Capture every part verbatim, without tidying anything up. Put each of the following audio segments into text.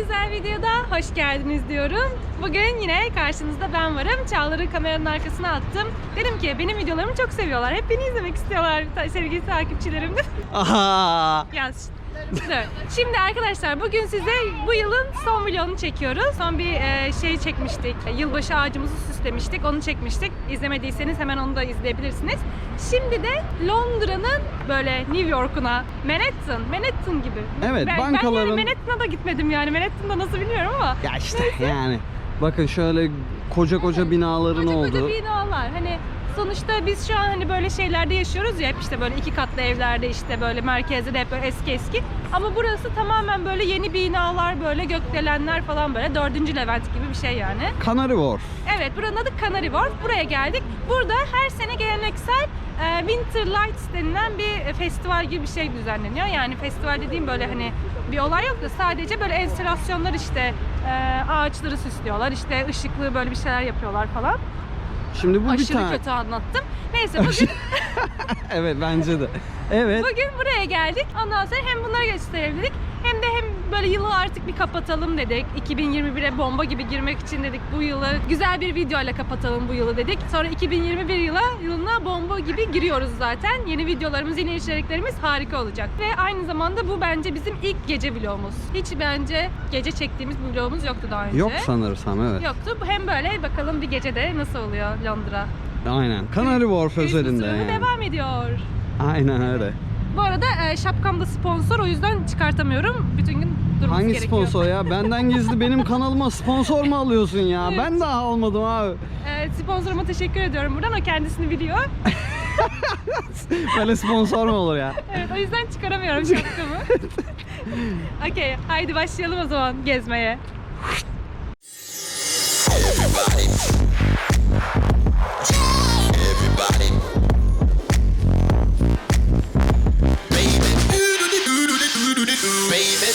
güzel videoda hoş geldiniz diyorum. Bugün yine karşınızda ben varım. Çağlar'ı kameranın arkasına attım. Dedim ki benim videolarımı çok seviyorlar. Hep beni izlemek istiyorlar sevgili takipçilerim. Aha. Yaz. Dur. Şimdi arkadaşlar bugün size bu yılın son vlogunu çekiyoruz. Son bir e, şey çekmiştik. Yılbaşı ağacımızı süslemiştik. Onu çekmiştik. İzlemediyseniz hemen onu da izleyebilirsiniz. Şimdi de Londra'nın böyle New York'una, Manhattan, Manhattan gibi. Evet, ben, bankaların... Ben yani Manhattan'a da gitmedim yani. Manhattan'da nasıl bilmiyorum ama. Ya işte yani. Bakın şöyle koca koca binaların koca olduğu. Koca koca binalar. Hani sonuçta biz şu an hani böyle şeylerde yaşıyoruz ya, hep işte böyle iki katlı evlerde, işte böyle merkezde de hep böyle eski eski. Ama burası tamamen böyle yeni binalar, böyle gökdelenler falan, böyle dördüncü Levent gibi bir şey yani. Canary Wharf. Evet, buranın adı Canary Wharf. Buraya geldik. Burada her sene geleneksel e, Winter Lights denilen bir festival gibi bir şey düzenleniyor. Yani festival dediğim böyle hani bir olay yok da sadece böyle enstalasyonlar, işte e, ağaçları süslüyorlar, işte ışıklı böyle bir şeyler yapıyorlar falan. Şimdi bu Aşırı bir tane. kötü anlattım. Neyse bugün evet bence de. Evet. bugün buraya geldik. Ondan sonra hem bunları gösterebildik hem de hem böyle yılı artık bir kapatalım dedik. iki bin yirmi bire bomba gibi girmek için dedik bu yılı. Güzel bir videoyla kapatalım bu yılı dedik. Sonra iki bin yirmi bir yıla yılına bomba gibi giriyoruz zaten. Yeni videolarımız, yeni içeriklerimiz harika olacak. Ve aynı zamanda bu bence bizim ilk gece vlogumuz. Hiç bence gece çektiğimiz bir vlogumuz yoktu daha önce. Yok sanırsam, evet. Yoktu. Hem böyle bakalım bir gecede nasıl oluyor Londra. Aynen. Canary Wharf özelinde yani. Devam ediyor. Aynen öyle. Bu arada e, şapkam da sponsor, o yüzden çıkartamıyorum. Bütün gün durması Hangi gerekiyor. sponsor ya? Benden gizli benim kanalıma sponsor mu alıyorsun ya? Evet. Ben daha almadım abi. E, sponsoruma teşekkür ediyorum buradan. O kendisini biliyor. Böyle sponsor mu olur ya? Evet, o yüzden çıkaramıyorum şapkamı. Okey, haydi başlayalım o zaman gezmeye. Everybody. Everybody. Baby. Baby.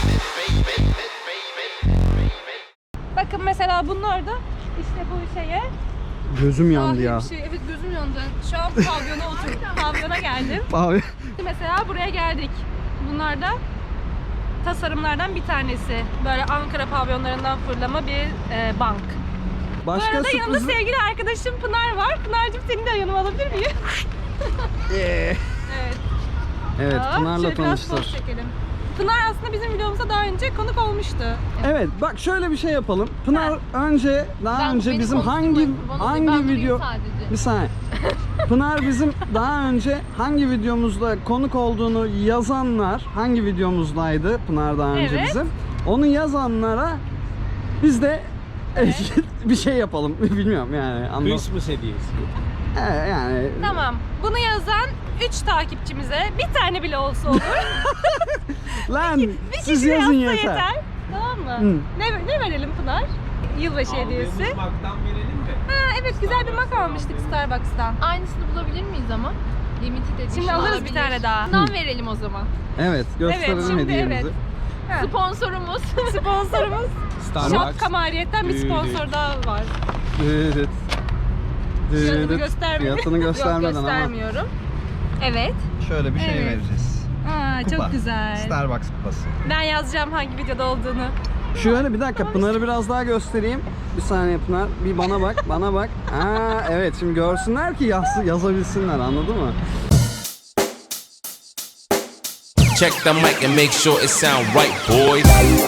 Bakın mesela bunlar da işte bu şeye. Gözüm yandı Dahi ya. bir şey. Evet, gözüm yandı. Şu an pavyona oturdum. Pavyona geldim. Abi. Mesela buraya geldik. Bunlar da tasarımlardan bir tanesi. Böyle Ankara pavyonlarından fırlama bir e, bank. Başka Bu arada yanında sürpriz... sevgili arkadaşım Pınar var. Pınar'cığım, seni de yanıma alabilir miyim? Yeah. Evet. Evet, Aa, Pınar'la şöyle biraz tanıştır. poz çekelim. Pınar aslında bizim videomuza daha önce konuk olmuştu. Evet, bak şöyle bir şey yapalım. Pınar önce, daha Ben- önce beni bizim hangi konuşturmayın, bana değil, hangi ben durayım video... sadece. Bir saniye. Pınar bizim daha önce hangi videomuzda konuk olduğunu yazanlar, hangi videomuzdaydı Pınar daha önce Evet. bizim? Onu yazanlara biz de bir şey yapalım. Bilmiyorum yani. Anlam- Christmas hediyesi. Evet, yani Tamam. Bunu yazan üç takipçimize bir tane bile olsa olur. lan Bir siz kişi yazın yazsa yeter. yeter. Tamam mı? Hı. Ne, ne verelim Pınar? Yılbaşı hediyesi. Aldığımız maktan verelim de. Ha, evet, güzel bir mak almıştık Starbucks'tan. Aynısını bulabilir miyiz ama? Limited edition Şimdi alırız olabilir. bir tane daha. Bundan verelim o zaman. Evet, gösterelim Evet, şimdi hediyemizi. evet. Ha. Sponsorumuz. Sponsorumuz Starbucks. şapka maliyetten bir sponsor daha var. Evet. Fiyatını göstermedim. Fiyatını göstermeden Yok, ama göstermiyorum. Evet. şöyle bir şey Evet. vereceğiz. Aa, Kupa. çok güzel. Starbucks kupası. Ben yazacağım hangi videoda olduğunu. Şöyle bir dakika, Pınar'ı biraz daha göstereyim. Bir saniye Pınar, bir bana bak, bana bak. Aa, evet, şimdi görsünler ki yaz, yazabilsinler, anladın mı? Check the mic and make sure it sound right, boys.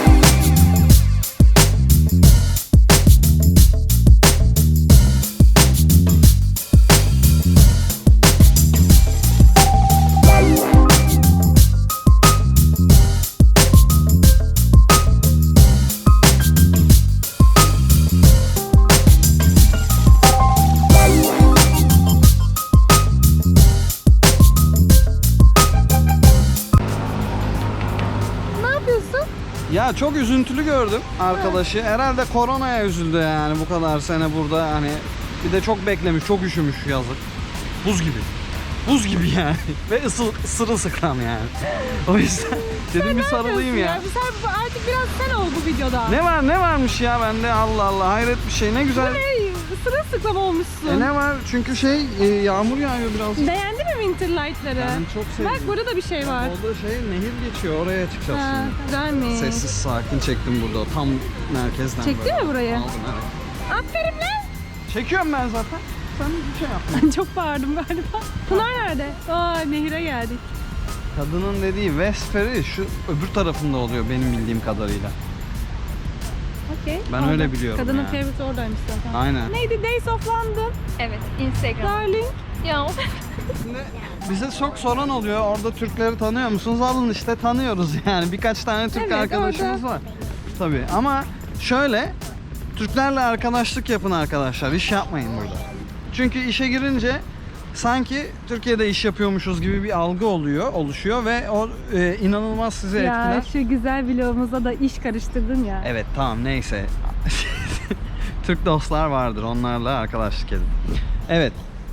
Ne yapıyorsun? Ya çok üzüntülü gördüm arkadaşı. Herhalde koronaya üzüldü yani, bu kadar sene burada hani. Bir de çok beklemiş, çok üşümüş yazık. Buz gibi. Buz gibi yani. Ve ısıl, sırılsıklam yani. O yüzden dedim bir sarılayım ya. Bu sen artık biraz sen ol bu videoda. Ne var ne varmış ya bende, Allah Allah, hayret bir şey, ne güzel. Hey, sırılsıklam olmuşsun. E ne var? Çünkü şey e, yağmur yağıyor biraz. Beğendi mi mi Winterlight'ları? Ben çok sevdim. Bak burada da bir şey var. Orada şey nehir geçiyor, oraya çıkacağız Ha, şimdi. güzelmiş. Sessiz sakin çektim burada, tam merkezden. Çekti böyle. mi burayı? Aldım, evet. Aferin lan. Çekiyorum ben zaten. Sen bir şey yapma. Çok bağırdım galiba. Pınar nerede? Aa nehire geldik. Kadının dediği West Ferry şu öbür tarafında oluyor benim bildiğim kadarıyla. Okey. Ben Orada. öyle biliyorum Kadının ya. favorite oradaymış zaten. Aynen. Neydi? Days of London. Evet, Instagram. Darling. Ya o Şimdi bize çok soran oluyor. Orada Türkleri tanıyor musunuz? Alın işte tanıyoruz yani. Birkaç tane Türk Evet, arkadaşımız orada. var. Tabii ama şöyle Türklerle arkadaşlık yapın arkadaşlar. İş yapmayın burada. Çünkü işe girince sanki Türkiye'de iş yapıyormuşuz gibi bir algı oluyor, oluşuyor ve o e, inanılmaz sizi Ya etkiler. şu güzel vlogumuza da iş karıştırdın ya. Evet tamam neyse. Türk dostlar vardır. Onlarla arkadaşlık edin. Evet.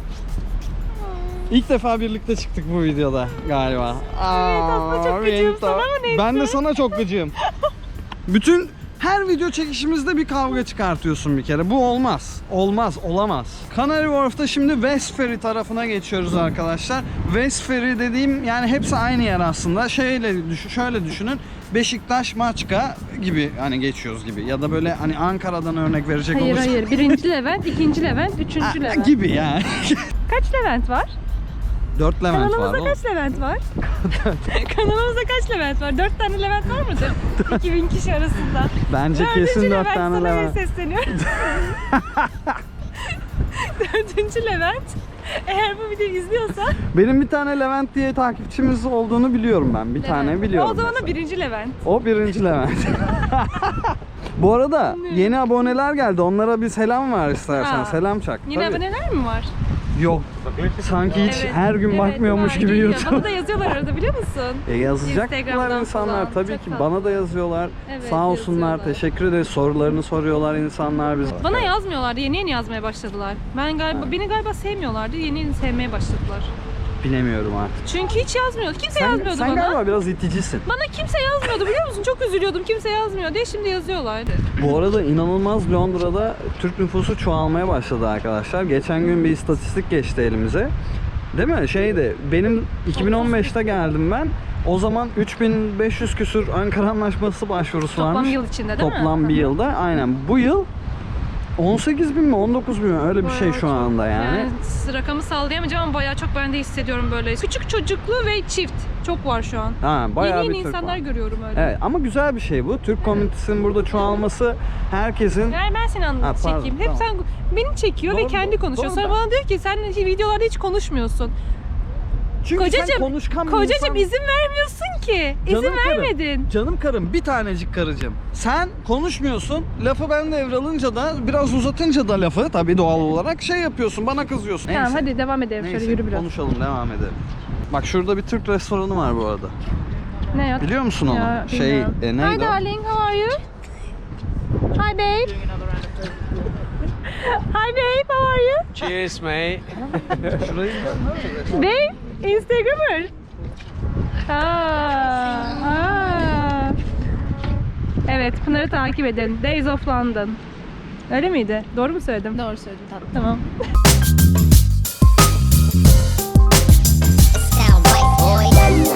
İlk defa birlikte çıktık bu videoda galiba. Evet, aslında çok Aa, gıcığım benim sana de- ama neyse. Ben de sana çok gıcığım. Bütün her video çekişimizde bir kavga çıkartıyorsun bir kere. Bu olmaz. Olmaz, olamaz. Canary Wharf'ta şimdi West Ferry tarafına geçiyoruz arkadaşlar. West Ferry dediğim yani hepsi aynı yer aslında. Şeyle düşün, şöyle düşünün. Beşiktaş, Maçka gibi hani geçiyoruz gibi. Ya da böyle hani Ankara'dan örnek verecek Hayır olursak. hayır. Birinci Levent, ikinci Levent, üçüncü Ha, Levent. gibi yani. Kaç Levent var? Dört Levent var. Kanalımızda oğlum. kaç Levent var? Kanalımızda kaç Levent var? Dört tane Levent var mıdır? iki bin kişi arasında. Bence Dördüncü kesin dört Levent, tane sana Levent. sesleniyorum. Dördüncü Levent. Eğer bu videoyu izliyorsa Benim bir tane Levent diye takipçimiz olduğunu biliyorum ben. Bir tane biliyorum. o zaman da mesela. birinci Levent. O birinci Levent. Bu arada yeni aboneler geldi. Onlara bir selam var istersen. Aa. Selam çak. Yeni Tabii. aboneler mi var? Yok. Sanki hiç Evet, her gün evet, bakmıyormuş var, gibi geliyor. YouTube. Bana da yazıyorlar arada biliyor musun? E yazacaklar Instagram'dan insanlar falan. tabii Çok ki. tatlı. Bana da yazıyorlar. Evet, Sağ olsunlar. yazıyorlar. Teşekkür ederiz. Sorularını soruyorlar insanlar biz. Bana yazmıyorlardı. Yeni yeni yazmaya başladılar. Ben galiba beni galiba sevmiyorlardı. Yeni yeni sevmeye başladılar. Bilemiyorum artık. Çünkü hiç yazmıyordu. Kimse Sen, yazmıyordu sen bana. galiba biraz iticisin. Bana kimse yazmıyordu biliyor musun? Çok üzülüyordum. Kimse yazmıyor diye şimdi yazıyorlar. Bu arada inanılmaz Londra'da Türk nüfusu çoğalmaya başladı arkadaşlar. Geçen gün bir istatistik geçti elimize. Değil mi? Şeydi, benim iki bin on beşte geldim ben. O zaman üç bin beş yüz küsür Ankara Anlaşması başvurusu Toplam varmış. yıl içinde değil mi? Toplam bir yılda. Aynen. Bu yıl on sekiz bin mi on dokuz bin mi öyle bir şey Bayağı şu çok. anda yani. Yani rakamı sallayamayacağım ama bayağı çok ben de hissediyorum böyle. Küçük çocuklu ve çift çok var şu an. Ha, bayağı yeni bir yeni Türk insanlar var. görüyorum öyle. Evet ama güzel bir şey bu. Türk komünitesinin burada çoğalması herkesin Yani ben seni Ha, anlat pardon, çekeyim. Hep tamam. sen beni çekiyor Doğru, ve kendi doğru, konuşuyor. doğru Sonra da. bana diyor ki sen videolarda hiç konuşmuyorsun. Çünkü sen Kocacığım, konuşkan bir kocacığım insan- izin vermiyorsun ki. Canım İzin karım, vermedin. Canım karım bir tanecik karıcığım. Sen konuşmuyorsun. Lafı ben devralınca da biraz uzatınca da lafı tabii doğal olarak şey yapıyorsun. Bana kızıyorsun. Tamam Neyse. hadi devam edelim. Neyse, Şöyle yürü biraz. konuşalım devam edelim. Bak şurada bir Türk restoranı var bu arada. Ne yok? Biliyor musun onu? Ya, şey bilmiyorum. e, Hi neydi o? darling, how are you? Hi babe. Hi babe, how are you? Cheers, mate. Şurayı Babe, Instagrammer. Aa, aa. Evet, Pınar'ı takip edin. Days of London. Öyle miydi? Doğru mu söyledim? Doğru söyledin tatlım. Tamam. Sound white boy.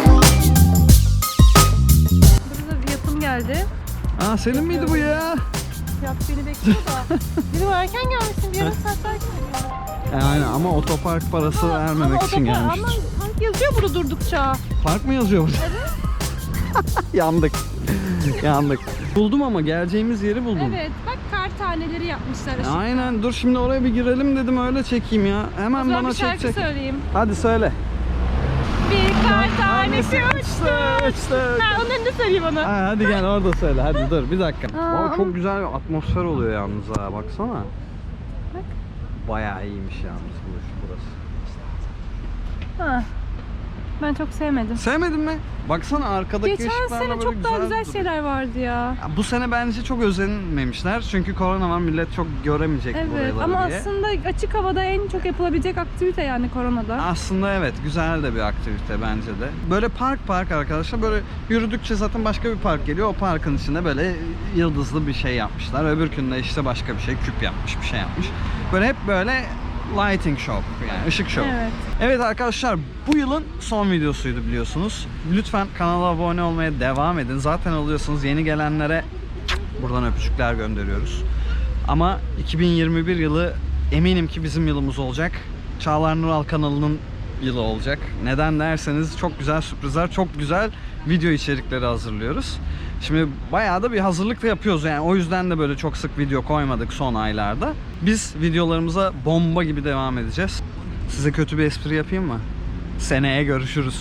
Burada bir yapım geldi. Aa senin miydi bu ya? Yap beni bekliyor da. Dedim erken gelmişsin, bir yarım saat erken gelmişsin. E, aynen ama otopark parası vermemek için otopark- gelmiştir. Ama park yazıyor burada durdukça. Park mı yazıyor burada? Yandık. Yandık. Buldum ama geleceğimiz yeri buldum. Evet, bak kar taneleri yapmışlar. ışık. Aynen dur şimdi oraya bir girelim dedim öyle çekeyim ya. O Hemen zaman bana bir şarkı çek çek. söyleyeyim. Hadi söyle. Bir kar tanesi uçtu. Uçtu. Ha, onları da söyleyeyim ona. Ha, hadi gel orada söyle hadi dur bir dakika. Aa, Vay, ama- çok güzel bir atmosfer oluyor yalnız ha baksana. Bak. Bayağı iyiymiş yalnız burası. Ha. Ben çok sevmedim. Sevmedin mi? Baksana arkadaki Geçen ışıklarla sene böyle çok daha güzel duruyor. şeyler vardı ya. Ya bu sene bence çok özenmemişler çünkü korona var millet çok göremeyecek Evet buraları ama diye. aslında açık havada en çok yapılabilecek aktivite yani koronada. Aslında evet güzel de bir aktivite bence de. Böyle park park arkadaşlar böyle yürüdükçe zaten başka bir park geliyor. O parkın içinde böyle yıldızlı bir şey yapmışlar. Öbürkünde işte başka bir şey küp yapmış bir şey yapmış. Böyle hep böyle lighting shop yani ışık şovu. Evet. Evet arkadaşlar, bu yılın son videosuydu biliyorsunuz. Lütfen kanala abone olmaya devam edin. Zaten oluyorsunuz. Yeni gelenlere buradan öpücükler gönderiyoruz. Ama iki bin yirmi bir yılı eminim ki bizim yılımız olacak. Çağlar Nural kanalının yılı olacak. Neden derseniz çok güzel sürprizler, çok güzel video içerikleri hazırlıyoruz. Şimdi bayağı da bir hazırlık da yapıyoruz yani, o yüzden de böyle çok sık video koymadık son aylarda. Biz videolarımıza bomba gibi devam edeceğiz. Size kötü bir espri yapayım mı? Seneye görüşürüz.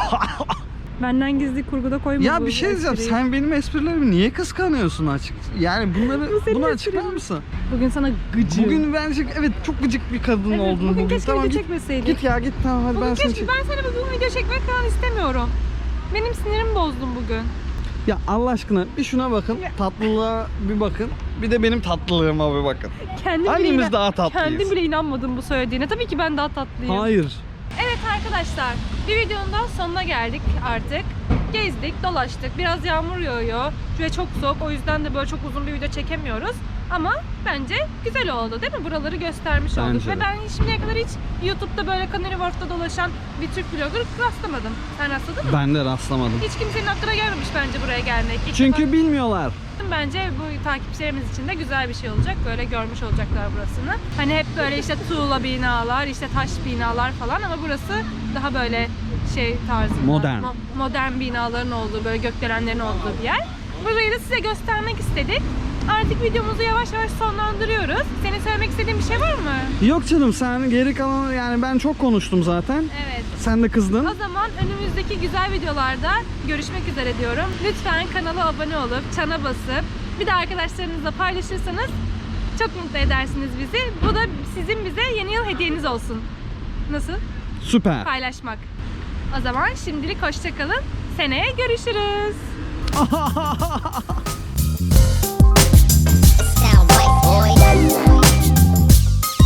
Benden gizli kurguda koyma Ya bu bir şey diyeceğim, espriyi. sen benim esprilerimi niye kıskanıyorsun açık? Yani bunları Bu senin bunu esprin. açıklar mısın? Bugün sana gıcığım. Bugün bence evet çok gıcık bir kadın Evet, oldun bugün bugün. keşke Tamam, video git, çekmeseydik. git ya git tamam hadi Bugün ben seni keşke, çek. ben sana bugün video çekmek falan istemiyorum. Benim sinirimi bozdun bugün. Ya Allah aşkına bir şuna bakın, tatlılığa bir bakın. Bir de benim tatlılığıma bir bakın. Kendim Hangimiz bile inan- daha tatlıyız? Kendim bile inanmadım bu söylediğine. Tabii ki ben daha tatlıyım. Hayır. Evet arkadaşlar, bir videonun daha sonuna geldik artık. Gezdik, dolaştık. Biraz yağmur yağıyor ve çok soğuk. O yüzden de böyle çok uzun bir video çekemiyoruz. Ama bence güzel oldu değil mi? Buraları göstermiş olduk. Bence de. Ve ben şimdiye kadar hiç YouTube'da böyle Canary Wharf'ta dolaşan bir Türk vlogger rastlamadım. Sen rastladın mı? Ben de rastlamadım. Hiç kimsenin aklına gelmemiş bence buraya gelmek. İlk Çünkü defa- bilmiyorlar. Bence bu takipçilerimiz için de güzel bir şey olacak. Böyle görmüş olacaklar burasını. Hani hep böyle işte tuğla binalar, işte taş binalar falan ama burası daha böyle şey tarzında. Modern. mo- modern binaların olduğu, böyle gökdelenlerin olduğu bir yer. Burayı da size göstermek istedik. Artık videomuzu yavaş yavaş sonlandırıyoruz. Senin söylemek istediğin bir şey var mı? Yok canım, sen geri kalanı yani ben çok konuştum zaten. Evet. Sen de kızdın. O zaman önümüzdeki güzel videolarda görüşmek üzere diyorum. Lütfen kanala abone olup çana basıp bir de arkadaşlarınızla paylaşırsanız çok mutlu edersiniz bizi. Bu da sizin bize yeni yıl hediyeniz olsun. Nasıl? Süper. Paylaşmak. O zaman şimdilik hoşça kalın. Seneye görüşürüz.